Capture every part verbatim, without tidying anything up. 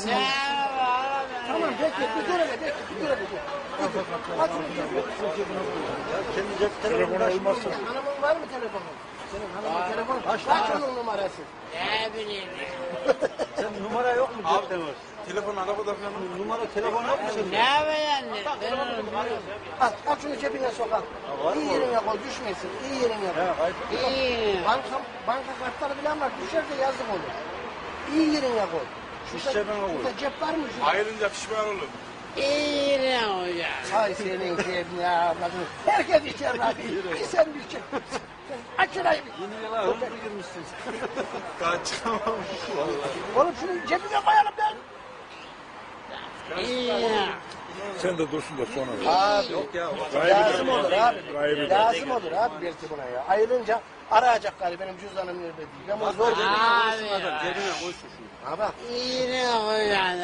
Tamam peki bir görelim peki bir görelim. Aç şunu cebine. Kendi cep telefonu olmazsa. Hanımın var mı telefonun? Senin hanımın telefonu. Kaç onun numarası? Ne bileyim. Senin numara yok mu cepte var? Telefon arabada falan numara telefon yok mu senin? Ne bileyim. Al, al şunu cebine sok al. İyi yerine koy düşmesin. İyi yerine koy. İyi. Banka, banka kartları falan var. Düşerse yazık olur. İyi yerine koy. Şurada, şurada cep var mı? Şurada? Ayrılınca pişman olur. İyi ne hocam? Hay senin cebine avladın. Herkes içer var. Bir sen bir çek. Aç şurayı. Yeni yıla hızlı girmişsin. Kaçamamış vallahi. Oğlum şunu cebine koyalım lan. İyi. Sen de dursun da sonra. Abi Yok ya. lazım olur abi. Gayrı. Lazım olur abi belki buna ya. Ayrılınca arayacak galiba benim cüzdanım nerede diye. Ama zor değil. Abi. Cebine koysun şunu. Ha bak. İyi ne hocam?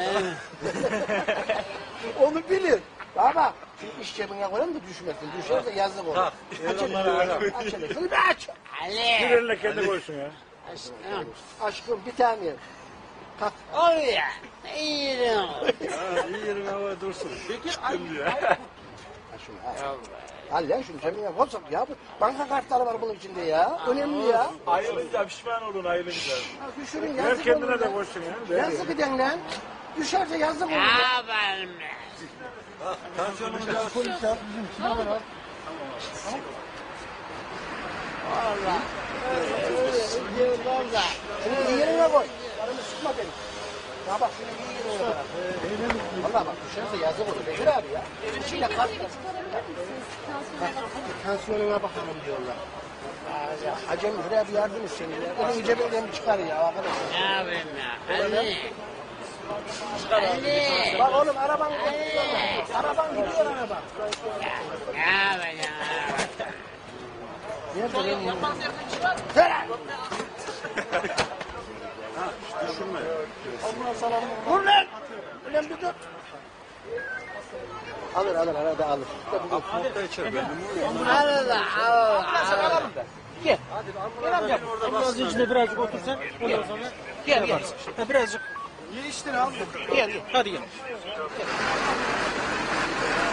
Onu bilir. Baba şu iş cebine koyalım da düşmesin. Düşerse yazık olur. Aç hele. Aç hele. Şunu bir aç. Bir Ali. eline kendi koysun ya. Aşkım. Aşkım bir tane. Kalk. Oluyor. İyi ne Ha, iyi yerin havaya dursun. Ha şunu al. Al lan şunu cebine koysak ya. Bu banka kartları var bunun içinde ya. Önemli ya. Ayrılınca pişman olun ayrılınca. Ha, düşürün Ver yazık kendine olur de ya. koysun ya. Yazık eden lan. Düşerse yazık olur Ne ya. yapalım? Tansiyonumuz ya. Valla. Öyle valla. Şunu iyi yerine koy. Karımı sıkma beni. Ya bak şunu iyi yerine koy. Valla bak düşerse yazık olur. Bekir abi ya. İçinde kart var. Tansiyonuna bakalım diyorlar. Ya, Acem buraya bir yardım etsin ya. Onun cebinden bir çıkar ya arkadaşlar. Ne yapayım ya? Ali. Ali. Bak oğlum araban gidiyor. Araban gidiyor araba. Ne yapacağım? Nerede benim? Ferah! Düşünme. Ondan sana vur lan! Ulan bir dur. Alır alır arada alır. Altta içer ben. Arada Allah. Gel. Gel amca. Ambulansın içinde birazcık otursan. Ondan sonra gel gel. Ha, birazcık. İyi iştir abi. Gel gel. Hadi gel.